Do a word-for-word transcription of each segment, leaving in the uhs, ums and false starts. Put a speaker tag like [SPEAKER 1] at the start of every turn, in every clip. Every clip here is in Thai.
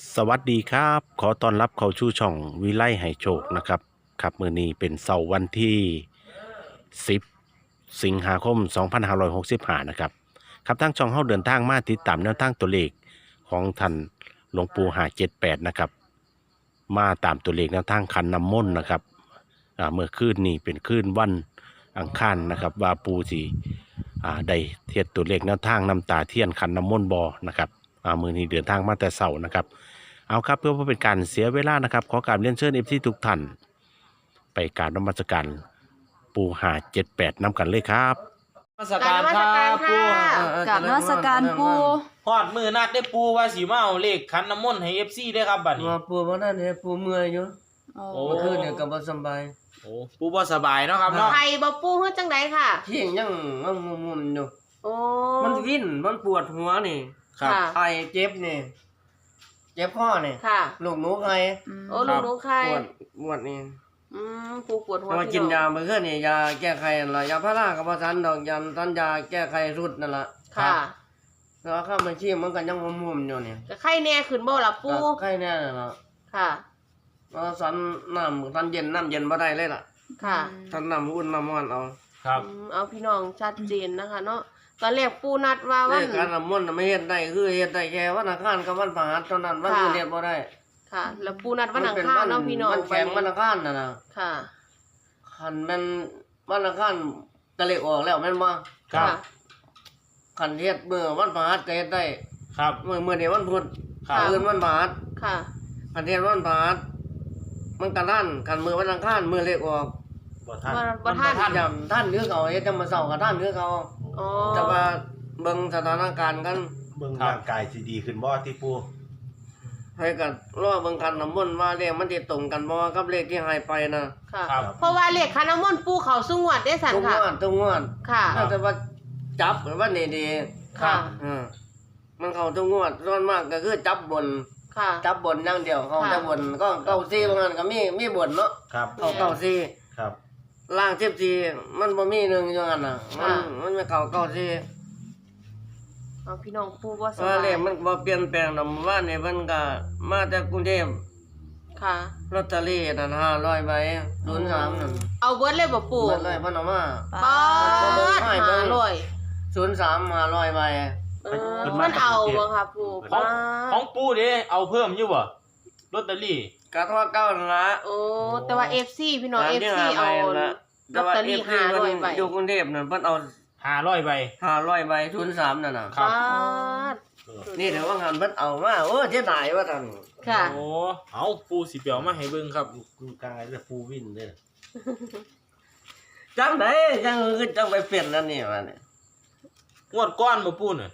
[SPEAKER 1] สวัสดีครับขอต้อนรับเข้าชู่ช่องวิไลให้โชคนะครับครับมื้อนี้เป็นเสาร์วันที่สิบสิงหาคมสองพันห้าร้อยหกสิบห้านะครับครับทางช่องเฮาเดินทางมาติดตามแนวทางตัวเลขของท่านหลวงปู่ห้าเจ็ดแปดนะครับมาตามตัวเลขแนวทางคันน้ำมนต์นะครับอ่าเมื่อคืนนี้เป็นคืนวันอังคารนะครับว่าปู่สิอ่าได้เทียบตัวเลขแนวทางน้ำตาเทียนคันน้ำมนต์บ่นะครับอ่ามื้อนี้เดินทางมาแต่เช้านะครับ เอาครับเพื่อว่าเป็นการเสียเวลานะครับขอการเรียนเชิญเอฟซีทุกท่านไปกรารนมัสการปูหาเจ็ดแปดนำกันเลยครับ
[SPEAKER 2] นมัสการครับปู
[SPEAKER 3] กราบนมัสการปู
[SPEAKER 2] ฮอดมือนัดได้ปูว่าสิมาเอาเลขขันน้ำมนต์ให้ เอฟ ซี ได้ครับบัดนี้
[SPEAKER 4] ว่าปูบ่นั่นเนี่ยปูเมื่อยอยู่
[SPEAKER 2] โอ้
[SPEAKER 4] เมื่อคืนเนี่ยก็บ่สำบาย
[SPEAKER 2] โอ้ปูบ่สบายเนาะครับเนาะ
[SPEAKER 3] ไข่บ่ปูเฮ็ดจังไดค่ะ
[SPEAKER 4] เที่ยงยังงงมๆอยู่
[SPEAKER 3] โอ้
[SPEAKER 4] มันวิ่นมันปวดหัวนี่
[SPEAKER 2] ครับ
[SPEAKER 3] ค่ะ
[SPEAKER 4] ไอเจ็บนี่เจ็บคอนี่
[SPEAKER 3] ค่ะ
[SPEAKER 4] ลูกหนูไอ
[SPEAKER 3] โอ้ลูกหนูไข่
[SPEAKER 4] ปวดปวดนี่
[SPEAKER 3] อืมปูปวดหัว
[SPEAKER 4] แต่ว่ากินยาเมื่อคืนนี่ยาแก้ไขนั่นล่ะยาพาราก็บ่ทันดอกยาทันยาแก้ไขรุดนั่นล่ะ
[SPEAKER 3] ค่ะ
[SPEAKER 4] แล้วข้ามันชีมันก็ยังงมๆอยู่นี่
[SPEAKER 3] จะไข้แน่ขึ้นบ่ล่ะปู
[SPEAKER 4] ก็ไข้แน่นั่นล่ะ
[SPEAKER 3] ค่ะ
[SPEAKER 4] แล้วสันน้ำทันเย็นน้ำเย็นบ่ได้เลยล่ะ
[SPEAKER 3] ค่ะ
[SPEAKER 4] ทันน้ำอุ่นน้ำร้อนเอา
[SPEAKER 2] ครับ
[SPEAKER 3] อืมเอาพี่น้องชัดเจนนะคะเนาะตอนแรกปูนัดว่า
[SPEAKER 4] เล
[SPEAKER 3] วัน
[SPEAKER 4] ขการน้ำมนต์น่ะไม่เฮ็ดได้คือเฮ็ดได้แค่วันอังคารกับวันพฤหัสเท่านั้นวันอื่นเฮ็ดบ่ได้
[SPEAKER 3] ค่ะ แล้วปูนัดวันอังคารเนาะพี่น้อง
[SPEAKER 4] มันแข็งวันอังคารน่ะนะ
[SPEAKER 3] ค่ะ
[SPEAKER 4] คันแมันวันอังคารก็เลขออกแล้วแม่นบ่
[SPEAKER 2] ครับ
[SPEAKER 3] ค่ะ
[SPEAKER 4] คันเฮ็ดมื้อวันพฤหัสก็เฮ็ดได้
[SPEAKER 2] ครับ
[SPEAKER 4] มื้อมื้อนี้วันพุธ
[SPEAKER 2] ครับ
[SPEAKER 4] อื่นวันพฤหัส
[SPEAKER 3] ค่ะ
[SPEAKER 4] คันเฮ็ดวันพฤหัสมันก็ทันคันมื้อวันอังคารมื้อเลขออก
[SPEAKER 1] บ่ท่าน
[SPEAKER 3] บ่บ่ทัน
[SPEAKER 2] ท่าน
[SPEAKER 4] จำท่านหรือเขาเฮ็ดจังมาเช้าก็ท่านหรือเขา
[SPEAKER 3] อ๋อ
[SPEAKER 4] แต่ว่าเบิ่งสถานการณ์กัน
[SPEAKER 1] เบิ่งร่างกายสิดีขึ้นบ่ที่ปู
[SPEAKER 4] ให้กันรอเบิ่งกันน้ำมนต์ว่าเลขมันสิตรงกันบ่กับเลขที่ให้ไปนะ
[SPEAKER 3] ค่ะ
[SPEAKER 2] ครับ
[SPEAKER 3] เพราะว่าเลขคันน้ำมนต์ปูเขาสุงวดได้สัน
[SPEAKER 4] ทุกง
[SPEAKER 3] ค่ะ
[SPEAKER 4] วดทุกงวด
[SPEAKER 3] ค่ะ
[SPEAKER 4] ถ้าแต่ว่าจับว่านี่ดี
[SPEAKER 3] ค่ะ
[SPEAKER 4] อ่ามันเข้าทุกงวดส่วนมากก็คือจับบน
[SPEAKER 3] ค่ะ
[SPEAKER 4] จับบนอย่างเดียวเขา
[SPEAKER 3] ค่ะ
[SPEAKER 4] แต่บนก็เก้าซี่บางอันก็มีมีบนเนาะ
[SPEAKER 1] ครับ
[SPEAKER 4] เข้าเก้าซี่
[SPEAKER 1] ครับ
[SPEAKER 4] ล่างสิบสี่มันบ่มีหนึ่งอย่างนั้นน่ะมัน
[SPEAKER 3] ค่ะ
[SPEAKER 4] มันไม่เข้าเก้าซี่
[SPEAKER 3] เอาพี่น้องปูว่าส
[SPEAKER 4] ว่า
[SPEAKER 3] บา
[SPEAKER 4] เลย ขมันบ่เปลี่ยนแปลงดอกว่านี่เพิ่นก็มาจากกรุงเทพ
[SPEAKER 3] ค่ะ
[SPEAKER 4] ลอตเตอรี่นั่นห้าร้อยใบศูนย์สามนั่น
[SPEAKER 3] เอาเบิร์ดเลยบ่ปู
[SPEAKER 4] เบิดเลยเพิ่นเอามา
[SPEAKER 3] ป๊าด
[SPEAKER 4] ให้
[SPEAKER 3] หา
[SPEAKER 4] เบิ่ง
[SPEAKER 3] ร้อย
[SPEAKER 4] ศูนย์สามห้าร้อยใบ
[SPEAKER 3] เออมันเอาบ่ค่ะปู
[SPEAKER 2] ของ
[SPEAKER 3] ป๊า
[SPEAKER 2] ขอ
[SPEAKER 3] ด
[SPEAKER 2] งปูเด้เอาเพิ่มอยู่บ่ลอตเตอรี่
[SPEAKER 4] ก็เท่าเก้านั่นละ
[SPEAKER 3] โอ้แต่ว่า เอฟ ซี พี่น้อง
[SPEAKER 4] สาม
[SPEAKER 3] เอฟ
[SPEAKER 4] ที่
[SPEAKER 3] ซี
[SPEAKER 4] ห้า
[SPEAKER 3] เอา
[SPEAKER 4] ใบนั่นละ
[SPEAKER 3] ลอตเตอรี่
[SPEAKER 4] แต่ว่า
[SPEAKER 3] ห้าร้อยใบ
[SPEAKER 4] เอฟซีเพิ่นอยู่กรุงเทพนั่นเพิ่นเอา
[SPEAKER 2] ห้าร้อยใบ
[SPEAKER 4] ห้าร้อยใบศูนย์สามนั่นน่ะ
[SPEAKER 2] ครับ
[SPEAKER 3] ป๊าด
[SPEAKER 4] นี่เดี๋ยวว่างานเพิ่นเอามาโอ้เสียดายว่าท่าน
[SPEAKER 3] ค่ะ
[SPEAKER 2] โอ้เอาปูสิเปียวมาให้เบิ่งครับ
[SPEAKER 1] กูกายและปูวินเด้อ
[SPEAKER 4] จังได๋จังคือจังไปเปลี่ยนนั่นนี่ว่าเนี่ย
[SPEAKER 2] งวดก้อนบ่ปูน่ะ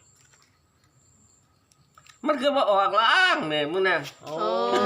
[SPEAKER 4] มันคือบ่ออกล้างนี่มึงน่ะ
[SPEAKER 2] โอ้
[SPEAKER 3] โอ้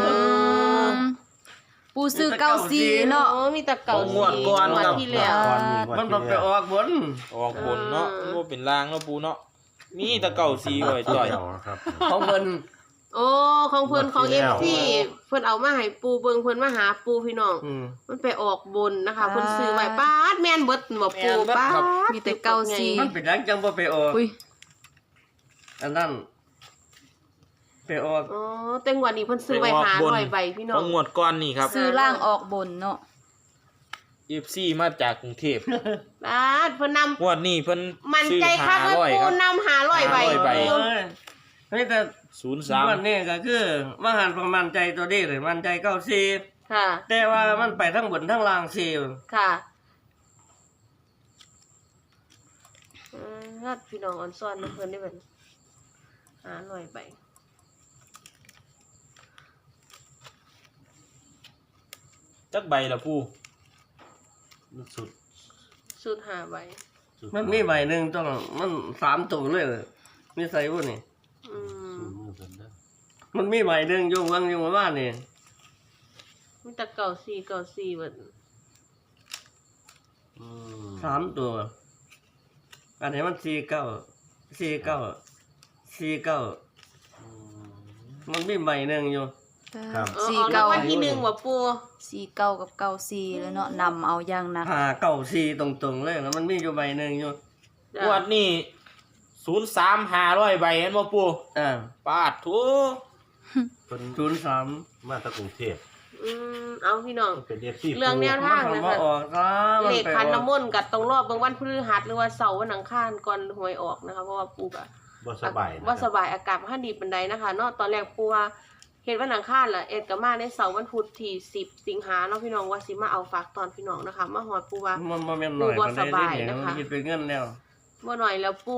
[SPEAKER 3] ปูซื้อเก้าซีเนาะโอ้มีแต่เก้าซี
[SPEAKER 2] งวดก่อน
[SPEAKER 3] งวด
[SPEAKER 2] ครับ
[SPEAKER 3] ที่แล้ว
[SPEAKER 1] ก่อนนี่
[SPEAKER 4] มันบ่ไปออกบน
[SPEAKER 2] ออกบนเนาะมันบ่เป็นรางเนาะปูเนาะมีแต่เก่าสีไว้จ่อย
[SPEAKER 1] เดียวครับ
[SPEAKER 4] ของเพิ่น
[SPEAKER 3] โอ้ของเพิ่นของ
[SPEAKER 1] ง
[SPEAKER 3] เอ
[SPEAKER 1] วดที่
[SPEAKER 3] ฟ
[SPEAKER 1] แล้ว
[SPEAKER 3] ซีเพิ่นเอามาให้ปูเบิ่งเพิ่นมาหาปูพี่น้อง
[SPEAKER 4] อืม
[SPEAKER 3] มันไปออกบนนะคะเพิ่นซื้อไว้ป๊าดแม่นเบิดบ่ปู
[SPEAKER 4] แม่นเบิด
[SPEAKER 3] ป๊า
[SPEAKER 4] ครับ
[SPEAKER 3] ดมีแต่เก้าซี
[SPEAKER 4] มันเป็นจังจังบ่ไปออก
[SPEAKER 3] อุ้ย
[SPEAKER 4] อันนั้นไปออก
[SPEAKER 3] อ๋อแต่งวดนี้เพิ่นซื้อไว้หาร้อยใบพี่น้
[SPEAKER 2] ข
[SPEAKER 3] อ
[SPEAKER 2] อง งงวดก้อนนี่ครับ
[SPEAKER 5] ซื้อล่างออกบนเนาะ
[SPEAKER 2] เอฟ ซี มาจากกรุงเทพ
[SPEAKER 3] ป๊าดเพิ่นนำ
[SPEAKER 2] งวดนี้เพิ่น
[SPEAKER 3] มัน
[SPEAKER 2] ซื้อ
[SPEAKER 3] ใจคักว่า
[SPEAKER 2] ห้าร้อย
[SPEAKER 3] ปู
[SPEAKER 2] ครับ
[SPEAKER 3] นำหาร้อยใบ
[SPEAKER 2] ห้าร้อยใบ
[SPEAKER 4] เอ้ยเฮ้ยแต่
[SPEAKER 2] ศูนย์สาม
[SPEAKER 4] วันนี้ก็คือว่าหันประมาณใจตัวนี้เลยมันใจเก้าสี่
[SPEAKER 3] ค่ะ
[SPEAKER 4] แต่ว่ามันไปทั้งบนทั้งล่างสี่
[SPEAKER 3] ค่ะอืมถ้าพี่น้องอ่อนซ้อนเพิ่นได้เพิ่นหาร้อยใบ
[SPEAKER 2] จักใบละปู
[SPEAKER 1] สุด
[SPEAKER 3] สุดหาใบ
[SPEAKER 1] สุด
[SPEAKER 4] มันมีใบหนึ่งต้องมันสามตัวเลยมีใส่บุนี่
[SPEAKER 3] อืม
[SPEAKER 1] สุดมือเพิ่นเด้อ
[SPEAKER 4] มันมีใบหนึ่งอยู่วังอยู่บ้านนี่
[SPEAKER 3] มีแต่เก่าสี่เก่าสี่เบิด
[SPEAKER 1] อืม
[SPEAKER 4] สามตัว อันนี้มันสี่เก้าสี่เก้าสี่เก้า
[SPEAKER 1] อืม
[SPEAKER 4] มันมีใบหนึ่งอยู่
[SPEAKER 1] ครับ
[SPEAKER 3] เออ
[SPEAKER 5] สี่
[SPEAKER 3] ออกรา
[SPEAKER 5] เก้าง
[SPEAKER 3] วัลที่หนึ่งว่ะปู
[SPEAKER 5] สี่เก้ากับเก้าสี่แล้วเนาะนำเอาอย่างหนัก
[SPEAKER 4] หาเก้าสี่ตรงๆเลยแล้วมันมีอยู่ใบหนึ่งอยู่
[SPEAKER 3] จ้ะ
[SPEAKER 2] งวดนี้ศูนย์สามห้าร้อยใบเห็นบ่ปู
[SPEAKER 4] อ่า
[SPEAKER 2] ปาดทู
[SPEAKER 1] เพิ่น
[SPEAKER 4] ศูนย์สาม
[SPEAKER 1] มาจากกรุงเทพ
[SPEAKER 3] อืมเอาพี่น้อง
[SPEAKER 1] เป็น เอฟ ซี
[SPEAKER 3] เรื่องแนวทาง
[SPEAKER 4] มัน
[SPEAKER 3] นะ
[SPEAKER 4] มา
[SPEAKER 3] คะ
[SPEAKER 4] ออกนะมัน
[SPEAKER 3] เลข
[SPEAKER 4] ไป
[SPEAKER 3] คัน
[SPEAKER 4] ออก
[SPEAKER 3] น้ำมนต์กับตรงรอบเบางวันพฤหัสหรือว่าเสาร์วันอังคารก่อนหวยออกนะคะเพราะว่าปูกะ
[SPEAKER 1] บ่สบายนะ
[SPEAKER 3] ว่า
[SPEAKER 1] ค
[SPEAKER 3] ส
[SPEAKER 1] รับ
[SPEAKER 3] บายอากาศบ่ทันดีปานใดนะคะเนาะตอนแรกปูว่าเฮ็ดวันอังคารล่ะเอ็ดก็มาในเสาร์วันพุธที่สิบสิงหาเนาะพี่น้องว่าสิมาเอาฝากตอนพี่น้องนะคะมาฮอดปูว่า
[SPEAKER 4] มันบ่แม่นหน่อย
[SPEAKER 3] ปูบ่
[SPEAKER 4] ปานใด
[SPEAKER 3] สบาย
[SPEAKER 4] เด้เนี่ย
[SPEAKER 3] นะคะ
[SPEAKER 4] มันคิดเป็นเงินแล้ว
[SPEAKER 3] บ่หน่อยแล้วปู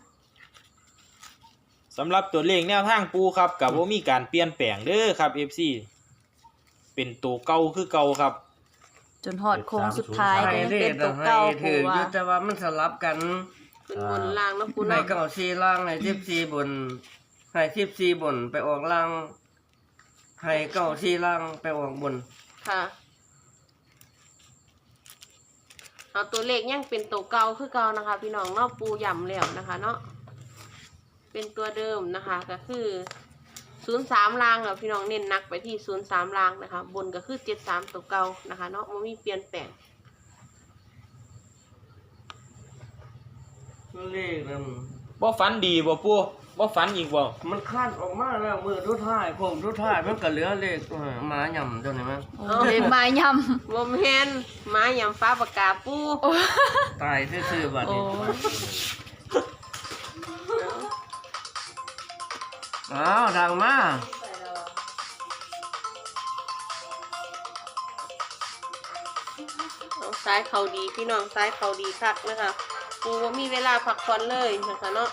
[SPEAKER 2] สำหรับตัวเลขแนวทางปูครับกับว่ามีการเปลี่ยนแปลงเด้อครับ เอฟ ซี เป็นตัวเก่าคือเก่าครับ
[SPEAKER 5] จนฮอดโค้งสุดท้าย
[SPEAKER 4] ให้
[SPEAKER 5] ก็ยัง
[SPEAKER 4] เล
[SPEAKER 5] เป็
[SPEAKER 4] ข
[SPEAKER 5] นตัว
[SPEAKER 4] ให้
[SPEAKER 5] เก่า
[SPEAKER 4] ถื
[SPEAKER 5] ปู
[SPEAKER 4] ออ
[SPEAKER 5] ว่า
[SPEAKER 4] ยู่แต่ว่ามันสลับกัน
[SPEAKER 3] เป็นบนล่างเนาะปู
[SPEAKER 4] ใน
[SPEAKER 3] เนาะ
[SPEAKER 4] เก้าสี่ล่างในสิบสี่บนให้สิบสี่บนไปออกล่างให้เก้าสี่ล่างไปออกบน
[SPEAKER 3] ค่ะเอาตัวเลขยังเป็นตัวเก่าคือเก่านะคะ พี่น้องเนาะปูย่ำแล้วนะคะเนาะเป็นตัวเดิมนะคะก็คือศูนย์สามลางค่ะพี่น้องเน้นหนักไปที่ศูนย์สามลางนะคะ บนก็คือเจ็ดสามตัวเก่านะคะเนาะมันมีเปลี่ยนแปลง
[SPEAKER 4] เลขนั้น
[SPEAKER 2] บ่ฝันดีบ่ปูบ่ฝันอีกบ่
[SPEAKER 4] มันคาดออกมาแล้วมือทุกท้ายผมทุกท้ายมันก็เหลือเลขเออหมาหย่ำตัวนี้มั้ง
[SPEAKER 5] โอ้เลยมายำ
[SPEAKER 3] วมเฮนหมาหยำฟ้าปากกาปู
[SPEAKER 4] ตายซื่อๆบัด
[SPEAKER 5] โอ้
[SPEAKER 4] นี้อ้าวดังมา
[SPEAKER 3] เอาซ้ายเขาดีพี่น้องซ้ายเขาดีคักนะคะปูว่ามีเวลาพักผ่อนเลยนะคะเนาะ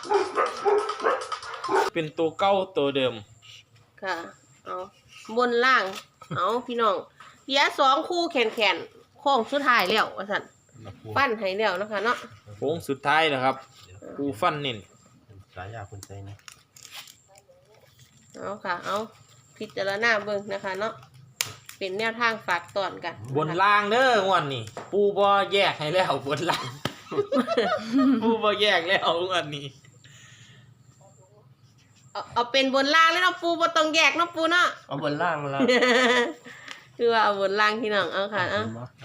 [SPEAKER 2] เป็นตัวเก่าตัวเดิม
[SPEAKER 3] ค่ะเอาบนล่างเอาพี่น้องเหลือสองคู่แขนแขนๆโค้งสุดท้ายแล้วว่าสันปั้นให้แล้วนะคะเนาะ
[SPEAKER 2] โค้งสุดท้ายนะครับปูฟันเน้น
[SPEAKER 1] สายยาคุณใจนะ
[SPEAKER 3] เอาค่ะ เอาพิจารณาเบิ่งนะคะเนาะเป็นแนวทางฝากตอนกัน
[SPEAKER 2] บนล่างเด้องวันนี้ ปูบ่แยกให้แล้วบนล่าง ปูบ่แยกแล้วงวันนี้
[SPEAKER 3] เอาเอาเป็นบนล่างแล้วเนาะปูบ่ต้องแยกเนาะปูเนาะ
[SPEAKER 4] เอาบนล่างแล้ว
[SPEAKER 3] คือว่าเอาบนล่างพี่น้องเอาค่ะเอา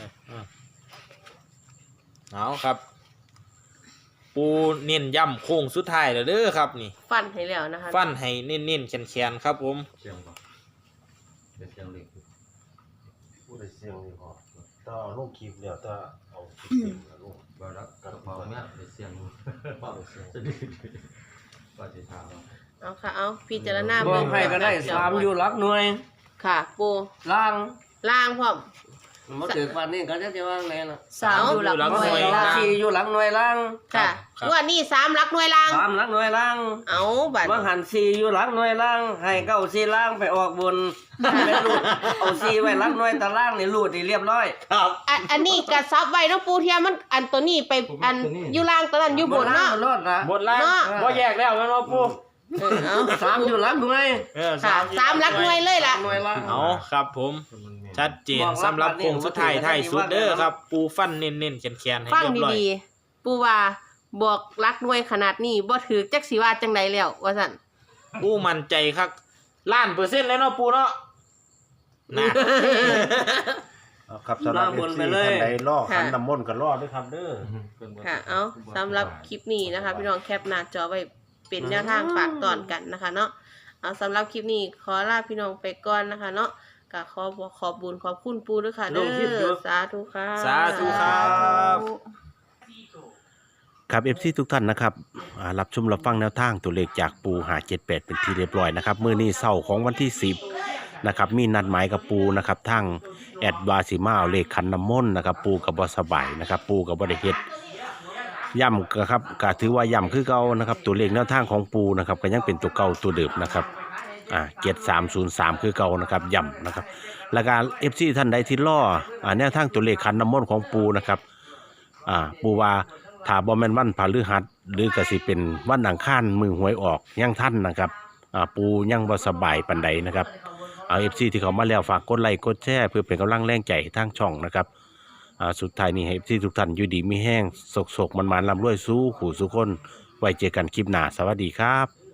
[SPEAKER 2] เอาครับ ปูเน้นย้ำโค้งสุดท้ายแล้วเด้อครับนี่
[SPEAKER 3] ฟันให้แล้วนะคะ
[SPEAKER 2] ฟันให้เน้นๆแขนๆครับผม
[SPEAKER 1] เสียงบ่เป็นเสียงเล็กพูดได้เสียงนี่พอถ้าลงคลิปแล้วถ้าเอาคลิปเต็มแล้วลง
[SPEAKER 6] บ่รับกระเป๋าเนี่ยไปเสียง
[SPEAKER 1] เป้าเสียง
[SPEAKER 6] จะดีว่าจะถาม
[SPEAKER 3] เอาค่ะเอาพิจารณา
[SPEAKER 4] บ
[SPEAKER 3] เบิ่
[SPEAKER 4] อง กให้ก็ได้สามอยู่หลักหน่วย
[SPEAKER 3] ค่ะปู
[SPEAKER 4] ล่าง
[SPEAKER 3] ล่างพร้อม
[SPEAKER 4] มาถึงวันนี้ก็จะจะว่าไงล่ะ
[SPEAKER 5] สามอยู่หลักหน่วย
[SPEAKER 4] สาม
[SPEAKER 5] ล่าง
[SPEAKER 4] สี่อยู่หลักหน่วยล่าง
[SPEAKER 3] ค่ะงวดนี้สามหลักหน่วยล่าง
[SPEAKER 4] สามหลักหน่วยล่าง
[SPEAKER 3] เอาบัตร
[SPEAKER 4] ว่าหันสี่อยู่หลักหน่วยล่าง ให้เก้าสี่ล่างไปออกบนไปรูดเอาสี่ไว้หลักหน่วยตารางนี่รูดนี่เรียบร้อย
[SPEAKER 2] ครับ
[SPEAKER 3] อันอันนี้กระซับไว้เนาะปูเทียมมันอันตัวนี้ไปอันอยู่ล่างตัวนั้นอยู่บนเนาะ
[SPEAKER 4] รอดละ
[SPEAKER 2] บนล่าง
[SPEAKER 3] เนาะ
[SPEAKER 2] บ่แยกแล้วแม่นบ่ปู
[SPEAKER 3] เออเอา
[SPEAKER 4] สามอยู่หลักหน่วย
[SPEAKER 2] เออ
[SPEAKER 3] ค่ะสามหลักหน่วยเลยล่ะ
[SPEAKER 4] หน่วยล่าง
[SPEAKER 2] เอาครับผม ชัดเจนสำหรับโค้งสุดท้ายท้ายสุดเด้อครับ ปูฟันเน้นๆแขนๆให้
[SPEAKER 3] ฟัง
[SPEAKER 2] เรียบร้อย
[SPEAKER 3] ดีๆปูว่าบอกรักหน่วยขนาดนี้บ่ถือจักสิว่าจังไดแล้วว่าซั่น
[SPEAKER 2] ปูมั่นใจครับล้านเปอร์เซ็นต์เลยเนาะปูเนาะนะ
[SPEAKER 1] เอาครับสำหรับ
[SPEAKER 4] ล่างบน
[SPEAKER 1] เอฟ
[SPEAKER 4] ไป
[SPEAKER 1] ซี
[SPEAKER 4] เลย
[SPEAKER 1] ท่านใดล่อขันน้ำมนต์ก็ล่อด้วยครับเด้อ
[SPEAKER 3] ค่ะ เอาสำหรับคลิปนี้นะคะ พี่น้องแคปหน้าจอไว้เป็นแนวทางฝากตอนกันนะคะเนาะเอาสำหรับคลิปนี้ขอลาพี่น้องไปก่อนนะคะ เนาะก็ขอบอกขอบบุญขอบคุณปูด้วยค่ะเด้อสาธุค่ะ
[SPEAKER 2] สาธุครับ
[SPEAKER 1] ครับ เอฟ ซี ทุกท่านนะครับอ่ารับชมรับฟังแนวทางตัวเลขจากปูหาเจ็ดแปดเป็นที่เรียบร้อยนะครับมื้อนี้เช้าของวันที่สิบนะครับมีนัดหมายกับปูนะครับทั้งแอดวาสิมาเอาเลขขันน้ำมนต์นะครับปูกับบ่สบายนะครับปูกับบ่ได้เฮ็ดย่ำก็ครับก็ถือว่าย่ำคือเก่านะครับตัวเลขแนวทางของปูนะครับก็ยังเป็นตัวเก่าตัวเดิมนะครับอ่าเจ็ดสามศูนย์สามคือเก่านะครับย่ำนะครับแล้วก็ เอฟ ซี ท่านใดที่ล่ออ่าแนวทางตัวเลขขันน้ำมนต์ของปูนะครับอ่าปูว่าถ้าบ่แม่นวันพฤหัสหรือก็สิเป็นวันอังคารมือหวยออกยังทันนะครับอ่าปูยังบ่สบายปานใดนะครับเอา เอฟ ซี ที่เขามาแล้วฝากกดไลค์กดแชร์เพื่อเป็นกำลังแรงใจให้ทางช่องนะครับอ่าสุดท้ายนี้ให้ เอฟ ซี ทุกท่านอยู่ดีมีแห้งโศกๆมันๆร่ำรวยสู้ขู่สู้คนไว้เจอกันคลิปหน้าสวัสดีครับ